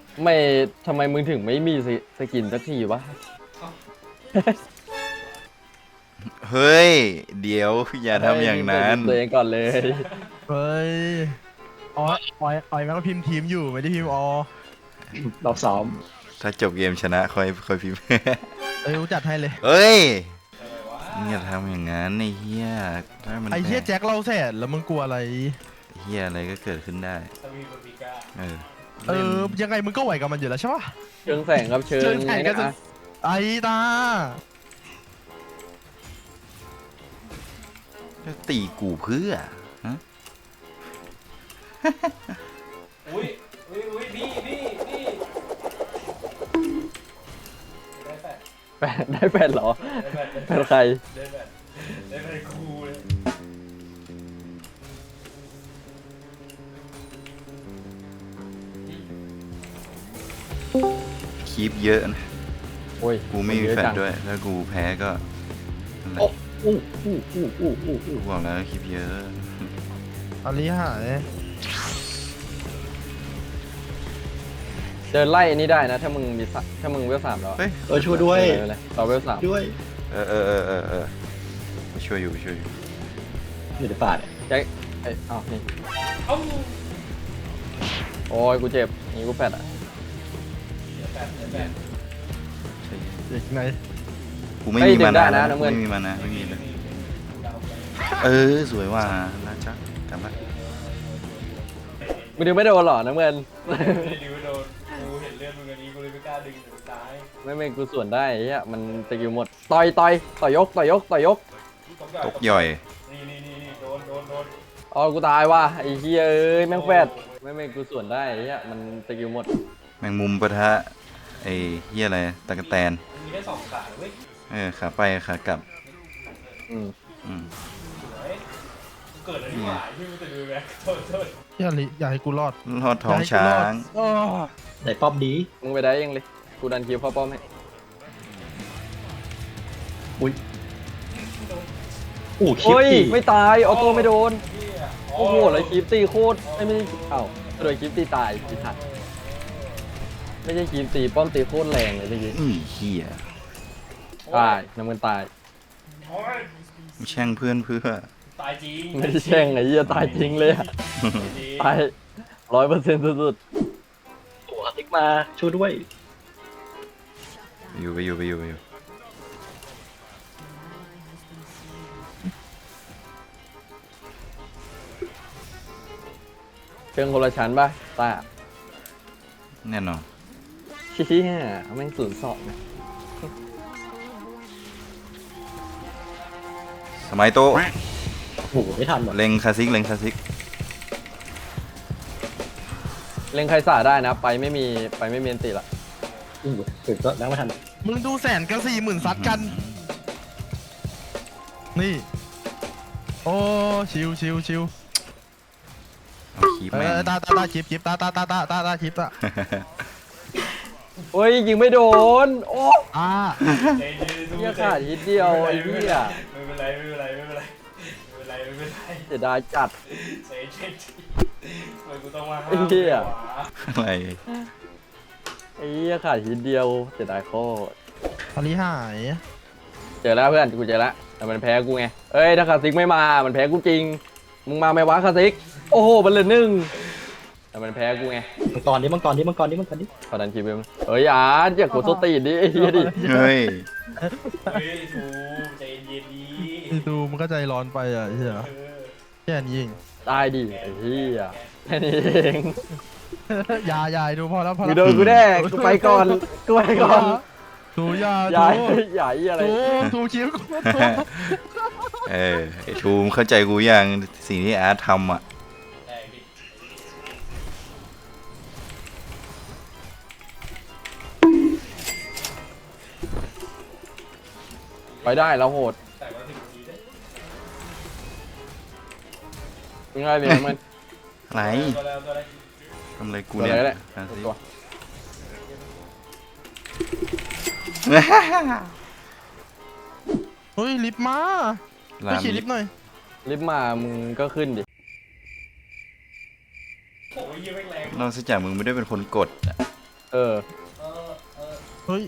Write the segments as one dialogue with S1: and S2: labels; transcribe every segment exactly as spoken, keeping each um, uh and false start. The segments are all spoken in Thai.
S1: ไม่ทำไมมึงถึงไม่มีสกินสักทีวะ
S2: เฮ้ยเดี๋ยวอย่าทำอย่างนั้น
S1: ตัวเองก่อนเลย
S3: เฮ้ยอ๋อออยออยแม่งก็พิมพ์ทีมอยู่ไม่ได้พิมพ์ออ
S4: รอบซ้อม
S2: ถ้าจบเกมชนะค่อยค่อยพิมพ์
S3: เอ้ยรู้จัดให้เลย
S2: เฮ้ยมึงอย่าทำอย่างนั้นไอ้เหี้ยถ้ามัน
S3: ไอ้เหี้ย
S2: แพ้
S3: แจ็คเราแสนแล้วมึงกลัวอะไร
S2: เหี้ยอะไรก็เกิดขึ้นได้เออ
S3: เออยังไงมึงก็ไหวกับมันอยู่แล้วใช่ปะ
S1: เชิงแสงครับเชิ
S3: เชิ
S1: ง
S3: งแสงก็
S1: นะ
S3: จะ ไอ้ตา
S2: จะตีกูเพื่อฮะ
S5: อุ้ยอุ้ยอุ้ยพี่พี่พี่ได้แปด
S1: แปดได้แปดเหรอ
S5: ได้แปด
S1: แปดใคร
S5: ได้แปดได้แปดครูเลย
S2: คีบเยอะนะ
S1: โอ้ย
S2: กูไม่มี
S1: เยอะ
S2: แฟน
S1: จัง
S2: ด้วยถ้ากูแพ้ก็นั่นแหละ
S1: โอ้อู้อู้อู้อู้อู้อู้
S2: กูบอกแล้วคีบเยอะ
S3: อาลีหาย
S1: เดินไล่อันนี้ได้นะ ถ้ามึงมีสะถ้ามึงเวลสามแล้ว
S2: เฮ้ย
S4: เออช่วยด้วย
S1: เลยต่อเวลสาม
S4: ด้วย
S2: เออเออเออเออเออไปช่วยอยู่ไปช่วยอยู่
S4: อยู่ในป่าเนี่ย
S1: แจ็คเอ้ยอ้าวนี่
S5: เอ้า
S1: โอ้ยกูเจ็บนี่กูแปดอ่ะ
S5: ได้แปดได้แปด
S2: ใช่
S3: เด็กไหน
S2: กูไม่
S1: เอ้ย
S2: มี
S1: ดึ
S2: มาง
S1: ได้
S2: นา
S1: นะ
S2: นะ
S1: น้ำ
S2: กู
S1: เงิน
S2: ไม่มีมานะไม่มีเลย
S5: ดาวไป
S2: เออสวยว่ะน่าจักกลับมา
S1: มึงดึงไม่โดนหรอน้ำเงิน
S5: ไม่ได้ดูโดนกูเห็นเลือดมึงอันนี้กูเลยไม่กล้าดึงถึงซ้าย
S1: ไม่ไม่กูส่วนได้ไอ้เหี้ยมันสกิลหมดต่อยต่อยต่อยยกต่อยยกต่อยยก
S2: ตกย่อย
S5: นี่นี่นี่นี่โดนโดนโดน
S1: อ๋อกูตายว่ะไอ้เหี้ยเอ้ยแม่งแฟดไม่ไม่กูส่วนได้ไอ้เหี้ยมันสกิลหมด
S2: แมงมุมปะทะไอ้เหี้ยอะไรตะกะแตน
S5: มีแค่สองขาเว้ย
S2: เออขาไปขากลับ
S1: อืม
S2: อืม
S5: สวยเกิดอะไรขึ้นมาที่มึงจะดูแม็กโทษโทษ
S3: อย่าลิอย่าให้กูรอด
S2: ลอดท้องช้าง
S3: โอ้
S4: ไหนป้อมดี
S1: มึงไปได้ยังเลยกูดันคิวเข้าป้อมให้
S4: อุ้ยอู้คลิป
S1: โอ้ย
S4: ดิ
S1: ไม่ตายออโต้ไม่โดน
S5: เหี้ย
S1: โอ้โหแล้วคลิปตีโคตรไม่ไม่เอ้าโดยคลิปตีตายพี่ทัดไม่ใช่คลิปตีป้อมตีโคตรแรงเลยเมื่อกี้
S2: อือเหี้ย
S1: ตายน้ำมันตาย
S5: โอ้ย
S2: มึงแช่งเพื่อนเพื่อ
S5: ตายจริง
S1: ไม่ได้แช่งไอ้เหี้ยตายจริงเลยอะ
S5: จริง
S1: ตายร้อยเปอร์เซ็นต์สุด
S4: ตัวติ๊กมาช่วยด้วย
S2: อยู่ไปอยู่ไปอยู่ไปอยู่
S1: ๆเชิงคนละชั้นป่ะตา
S2: แน่นอน
S1: เชี่ยแม่งศูนย์สองนะ
S2: สมัยโตะ
S4: โอ้โหไม่ทันหมด
S2: เล็งคาซิกเล็งคาซิก
S1: เล่นใครสาได้นะ ไปไม่มีไปไม่มีอันติละ
S4: อู้ถึงก็แล้วไม่ทัน
S3: มึงดูแสนกับสี่หมื่นซัดกัน นี่ โอ้ชิวชิวชิว
S2: เอาคีบ
S3: เอ
S2: แม่ง
S3: อตาตาตาชิปชิปตาตาตาตาตาตาชิปตา
S1: โอ้ยยิงไม่โดน โอ้
S3: อ่า
S5: ใจเย็นๆ
S1: เหี้ยขาดนิดเดียวไอ้เหี้ย
S5: ไม่เป็นไรไม่เป็นไรไม่เป็นไรไม่เป็นไรไม่เป็นไร
S1: เสียดายจัด
S5: ใจเย็นทำไมกูต้องมาห้า
S1: ไอ้
S5: ม
S1: เหี้ย
S5: วะ
S2: อะไร
S1: ไอ้เหี้ยขาดนิดเดียวเสียดายโคตร
S3: อาลีหาย
S1: เจอแล้วเพื่อนกูเจอแล้วแต่มันแพ้กูไงเอ้ยถ้าคาซิกไม่มามันแพ้กูจริงมึงมาไหมวะคาซิกโอ้โหมันเหลือหนึ่งแต่มันแพ้กูไง
S4: มังกรดิมังกรดิมังกรดิมังกรดิ
S1: ขอดันคิวเบมเอ้ยอ่านอย่ากดโซตีนดิไอ้เหี้ยดิ
S2: เฮ้ย
S5: เฮ้ยทูใจเย็นดี
S3: นี่ดูมันก็ใจร้อนไปอ่ะเฮีย
S5: เออ
S3: แค่นี้เอง
S1: ตายดิไอ้เหี้ยแค่นี้เอง
S3: อยาอยาดูพอแล้วพอ
S1: มึ
S3: แล้
S1: ง
S3: ว
S1: โดนกูแน่กูไปก่อนกูไปก่อน
S3: ดูอยา
S1: อย่า
S3: ดู
S1: อย่าไอ้อะไร
S3: ดูดูคิ้วกู
S2: เออไอ้ทูมเข้าใจกูยังสิ่งที่อาร์ตทำอ่ะ
S5: ได้ดิ
S1: ไปได้แล้วโหด
S5: แต่ว่าถึงทีได้
S1: ยังไงเนี่ยมัน
S2: อะไร
S5: ตัวแล้วตัวแล้ว
S2: ทำอะไรกู
S1: ตัว
S2: เนี่ย
S1: อะไรก็ได้
S2: คาซิก
S1: ตัว
S3: เฮ้ยลิฟต์มา
S2: ลา
S3: ไป
S2: ม
S3: ขี่ลิฟต์หน่อย
S1: ลิฟต์มามึงก็ขึ้นดิ
S5: โอ้ยยี่แม่งแรง
S2: นอกจากมึงไม่ได้เป็นคนกดอะ
S1: เออ
S5: เออเออ
S3: เฮ้ย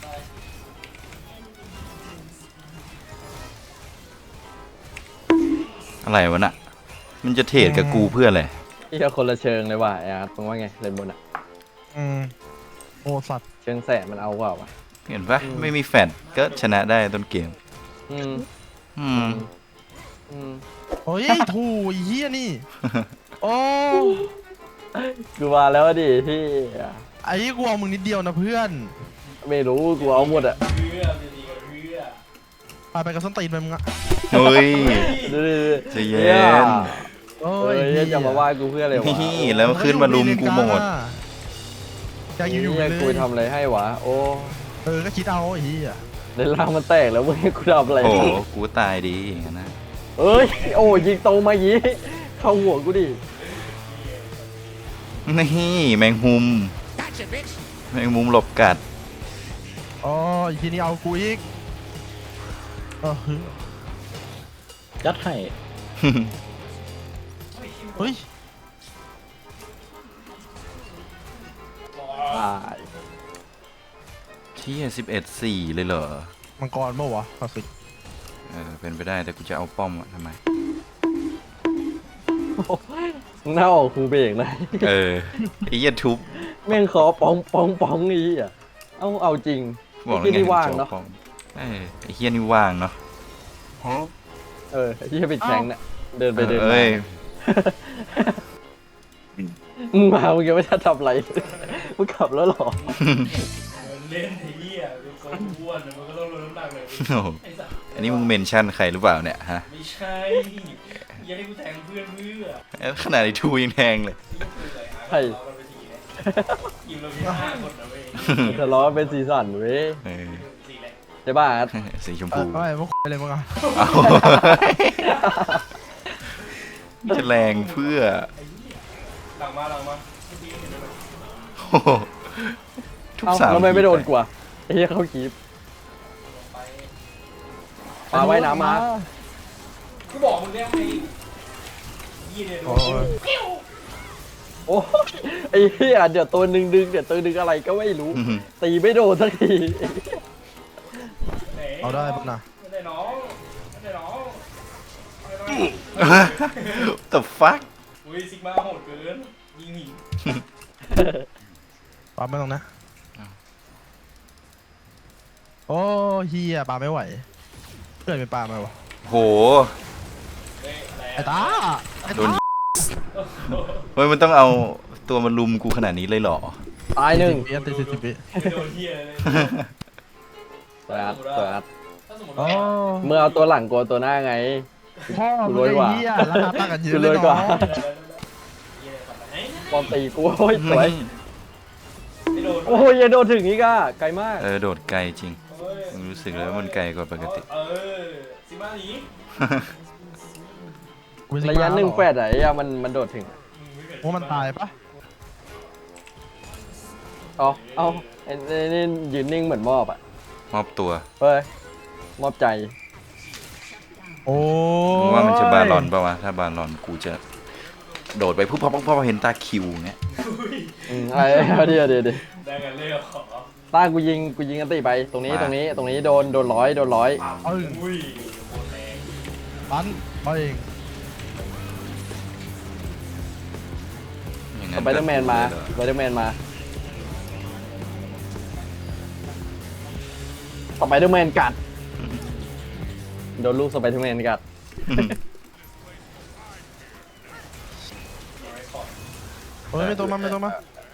S2: อะไรวะน่ะมันจะเทรดกับกูเพื่ออะไร
S1: ที่จะคนละเชิงเลยว่ะไอ้อาร์ตมึงว่าไงเลนบนอะ
S3: อืมโอ้สัตว์
S1: เชิงแสบมันเอาเปล่าวะ
S2: เห็นปะไม่มีแฟนก็ชนะได้ต้นเกม
S1: อืม
S2: อืม
S1: อืม
S3: เฮ้ยถูไอ้เหี้ยนี่โอ้
S1: กูมาแล้วดิที่
S3: ไอ้กูเอามึงนิดเดียวนะเพื่อน
S1: ไม่รู้กูเอาหมดอะ
S5: เพื่อจะดีกับเพื่อ
S3: ไปไปกับส้นตีนไปมึงอะ
S2: เฮ้ย
S1: ดูดิ
S2: ใจเย็น
S3: โอ้
S1: เอ้ย
S3: หี้
S1: จะมาว่ากูเพื่ออะไรวะ
S2: นี่แล้วขึ้นมาลุมกูหมด
S3: อยากอยู่อยู่
S1: เหี้
S3: เลย
S1: กูทำอะไรให้วะโอ้
S3: เออก็คิดเอาไอ้เหี้ย
S1: ในร่างมันแตกแล้วมึงให้กูทำอะไร
S2: โอ้โหกูตายดีอย่างนั้นนะ
S1: เอ้ยโอ้ยิงตรงมายี้เข้าหัวกูดิ
S2: นี่แมงมุมแมงมุมหลบกัด
S3: อ๋ออีกทีนี้เอากูอีกเออ
S4: ยัดให้
S3: เฮ้ย
S1: ตาย
S2: ที่สิบเอ็ดสี่เลยเหรอ
S3: มังกรเมื่อวะคลาสสิก
S2: เออเป็นไปได้แต่กูจะเอาป้อมอะทำไม
S1: มึงน่าออกคูเบรกเลย
S2: เออไอ้เหี้ยทุบ
S1: แม่งขอปองปองปองนี้อ่ะเอาเอาจริง
S2: บอกแล้ว
S1: ที่
S2: ไง
S1: นี่ว่างเนาะ
S2: จอป้อมเออไอ้เหี้ยนี่ว่างเนาะ
S1: เออที่ปิดแข็งน่ะเดินไปเดิน
S2: เอ
S1: มา
S2: ้ย
S1: มึงมามึงยังไม่ทันทำอะไรมึงขับแล้วเหรอ
S5: เล่นไอ้เหี้ยเป็นคนอ้วนมันก็ต้องลดน้ำหนักเลย
S2: โอ้โห
S5: ไอ้สัส
S2: อันนี้มึงเมนชั่นใครหรือเปล่าเนี่ยฮะ
S5: ไม่ใช่อย่าให้กูแทงเพื่อนเพื่อ
S2: เอ้ยขนาดไอ้ทูยังแทงเลย
S1: ใช่
S5: เราไปทีเนี่ยทีมเรามีห้าคนนะเว้ย
S1: ทะเลาะเป็นสีสันเว้ย
S2: เออ
S5: สี่แหละ
S1: ใช่ป่ะอาร์ต
S2: สีชม
S3: เอ
S2: พู
S3: อเอาไอ้พวกอะไรมึงอะ
S2: เอาจะแรงเพื่อ
S5: หลังมาหลังมาเมื่อกี้เห็นไหม
S2: โอ้โหทุก
S1: เอ้า
S2: สาม
S1: ทำไมไม่โดน
S2: ที
S1: กว่าไอ้เหี้ยเข้าคีบ
S5: ไป
S1: ปลาว่ายน้ำมา
S5: กูบอกมึงเนี่ยไอ้ยี่เนี่ย
S3: โอ้ย
S1: โอ้ยไอ้เหี้ยเดี๋ยวตัวหนึ่งดึงเดี๋ยวตัวหนึ่งอะไรก็ไม่รู้
S2: อื้อหือ
S1: ตีไม่โดนสักที
S3: เอาได้ปุ๊บนะ
S5: ไม่ได้น้องไม่ได้น้องไม่ได้น้อง
S2: แต่ฟัก
S5: อุ้ยซิกมาโหดเกินยิงหิน
S3: ปาไม่ต้องนะโอ้เฮียปาไม่ไหวเกิดเป็นปาไหมวะ
S2: โห
S5: เฮ้ยแหล
S3: ไอ้ตาไอ้
S2: โด
S3: ตาน
S2: เฮ้ยมันต้องเอาตัวมาลุมกูขนาดนี้เลยเหรอ
S1: ตายหนึ่ง
S3: วิอันติดสิบสิบวิ
S5: ไม่โดนเฮียเลย
S1: สวยอัดสวยอัด
S5: ถ้าสมมติ
S3: โอ้
S5: ว่า
S1: เมื่อเอาตัวหลังกลัวตัวหน้าไง
S3: พ่อ
S1: กู
S3: มึ
S1: ร
S3: ง
S1: วยกว่า
S3: ไอ้เฮียราคาต่างกันเย
S1: กู
S3: อะ
S1: ร
S3: เล
S1: วย
S3: ย
S1: กว่า
S3: เนาะ
S5: เฮียทำอะไร
S1: ปอมตีกูโอ้ยสวย
S5: ไม่โดน
S1: โอ้ยยังโดนถึงอีกอ่ะไกลมาก
S2: เออโดดไกลจริง
S5: เฮ้ย
S2: มึงรู้สึกเลยว่ามันไกลกว่าปกติ
S5: เออซิมาหนี
S3: กูเป็นซิก
S1: ระ
S3: มาย
S1: ะหนึ่ง
S3: เรอ
S1: แฟดอะไอ้อะมันมันโดดถึง
S3: ว่ามันตายปะ
S1: อ๋อเอาไอ้ไอ้นี่ยืนนิ่งเหมือนมอบอ่ะ
S2: มอบตัว
S1: เฮ้ยมอบใจ
S3: โอ้
S2: มึงว่ามันจะบาลอนป่าวะถ้าบาลอนกูจะโดดไปปุ๊บพอพอพอเห็นตาคิวเงี้ย
S1: อืมไอ้เอาเดี๋ยวเดี๋ยวเดี๋ยว
S5: ได้กันเลยเหรอ
S1: ตากูยิงกูยิงกันตีไปตรงนี้ตรงนี้ตรงนี้โดนโดนร้อยโดนร้อย
S3: เอ้ย
S5: อุ้ยโคตรแรง
S3: ปันเอาเอง
S2: อย่าง
S1: ส
S2: นั้น
S1: ไปเดอร์แมนมา
S2: ก็
S1: สไปเดอร์แมนมาสไปเดอร์แมนกัดโดนลูกสไปเดอร์แมนกัด
S3: เฮ้ยไม่ตรงมาไม่ตรงมา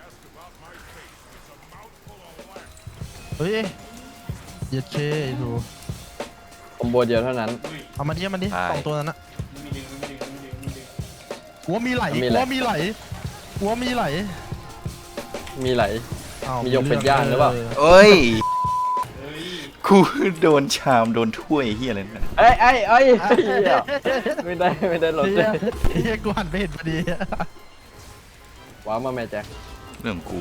S3: เฮ้ยเหยียดเคไอ้ทู
S1: คอมโบเดียวเท่านั้น
S5: อุ้ย
S3: เอามาดิเอามันดิสองตัวนั้นนะ
S5: มีดึงมีดึงมีดึงมีดึง
S3: หัวมีไหล
S1: มี
S3: หั
S1: ไหล
S3: วมีไหลหัวมีไหล
S1: มีไหล
S3: อ้าว
S1: มียกเป็ดย่างหรือเปล่า
S2: เอ้ย
S5: เฮ้ย
S2: กูโดนชามโดนถ้วยเฮียอะไรนะ
S1: เอ้ยเอ้ยเอ้ยเหี้ยไม่ได้ไม่ได้หลด
S3: เฮียเฮียกูหันไปเห็นพอดี
S1: ว้าวมาแม่แจ็ค
S2: เรื่องของกู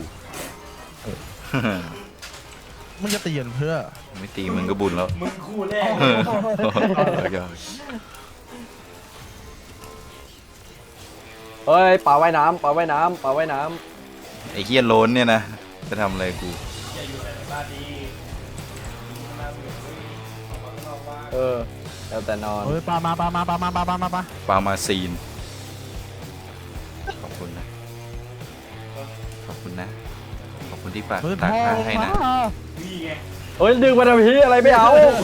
S3: มึงจะเตียนเพื่อ
S2: ไม่ตีมึงก็บุญแล้ว
S5: มึงคู่แรก
S2: เออเอาเอา
S1: เฮ้ยปลาว่ายน้ำปลาว่ายน้ำปลาว่ายน้
S2: ไอ้เฮียโล้นเนี่ยนะจะทำอะไรกู
S5: อย่าอยู่แต่ในบ้านดีนั่งอยู่ออกมาข้างนอกบ้าน
S1: เออแล้วแต่นอน
S3: เฮ้ยปลามาปลามาปลามาปลาปลามาปลา
S2: ปามาซีน ขอบคุณนะ ขอบคุณนะ ขอบคุณที่ปาก
S3: เฮ้ย
S2: ตาก
S3: พ่อ
S2: ผ้า
S3: ลง
S2: ให้
S3: มา
S2: นะ
S5: นี่ไง
S1: เฮ้ยดึงมาทำพี่อะไรไม่เอา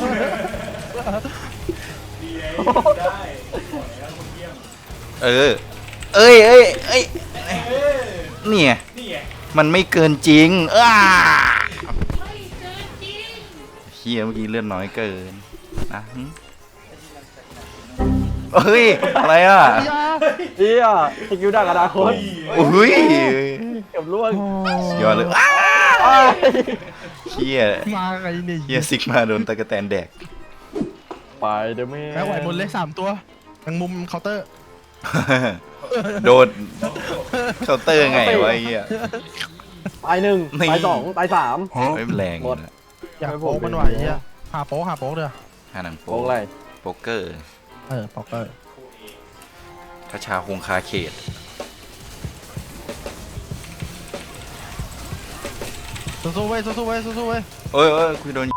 S5: ดีไงอยู่ได้ขอแล้วคนเยี่ยม
S2: เออ เอ้ยเอ้ยเอ้ย
S5: เออ
S2: เนี่ย
S5: นี่ไง
S2: มันไม่เกินจริงอ้าเฮียเมื่อกี้เลือดน้อยเกินนะหึเฮ้ย อะไรอ่ะ
S1: เฮียสกิลดักอนาคต
S2: โอ้ย
S1: เกับล่วง
S2: ยอดเลยอ้า
S1: เอ้ย
S2: เฮีย
S3: มาไงเนี่ย
S2: เฮียซิกมาโดนตะกะแตนแดก
S1: ไปเด้อแม่
S3: แม็กไหวบนเลขสามตัวทางมุมเคาน์เตอร์
S2: โดนเคาน์เตอร์ไงวะไอ้เฮีย
S1: ตายหนึ่ง
S2: นี่
S1: ตายสองตายสาม
S2: ไม่แรง
S1: หมด
S2: นะ
S3: อยากโป๊กมันไหวเนี่ยหาโป๊กหาโป๊กเด้อ
S2: หาหนัง
S1: โก
S2: โป๊
S1: งอะไร
S2: โป๊กเกอร์
S3: เออโป๊กเกอร์
S2: คาชาคงคาเขต
S3: สู้ๆเว้ยสู้ๆเว้ยสู้ๆเว้ย
S2: เอ้ยเอ้ยคุยโดน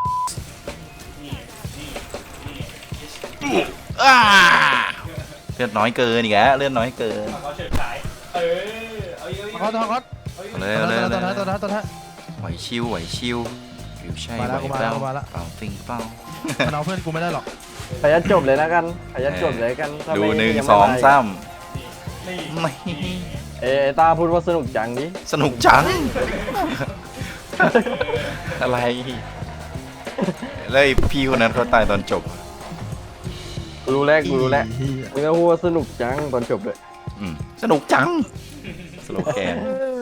S2: อ้าเลือดน้อยเกินอีกแล้วเลือดน้อยเกิน
S5: เขาเฉิดฉายเออเอาเยอะ
S3: ทอดทอดทอด
S2: เอาเลย
S3: ตัว
S2: เอาเลย
S3: ท้าย
S2: เอา
S3: ตัว
S2: เล
S3: ท้าย
S2: ย
S3: ตัวท้ายตัวท้าย
S2: ไหวชิวไหวชิวหรือใช่
S3: มา
S2: ไห
S3: แล้ว
S2: ว
S3: กูมา
S2: เป
S3: แล้
S2: ล่าว
S3: กูมาแล้ว
S2: เปล่าติงเปล่า
S3: มันเอาเพื่อนกูไม่ได้หรอก
S1: ขยันจบเลยนะกันขยันจบเลยกันถ้า
S2: ดู
S1: ไม่
S2: หนึ่ง
S1: ยัไม่
S2: สอง
S1: ได้
S2: สาม
S5: นี่
S2: ไม่
S1: เอยตาพูดว่าสนุกจังดิ
S2: สนุกจัง อะไรแล้วไอ้พี่คนนั้นเขาตายตอนจบ
S1: กูรู้แล้วกูรู้แล้ว
S3: เหี้ย
S1: มึงก็พูดว่าสนุกจังตอนจบเลย
S2: อืมสนุกจัง สโลแกน
S1: เออ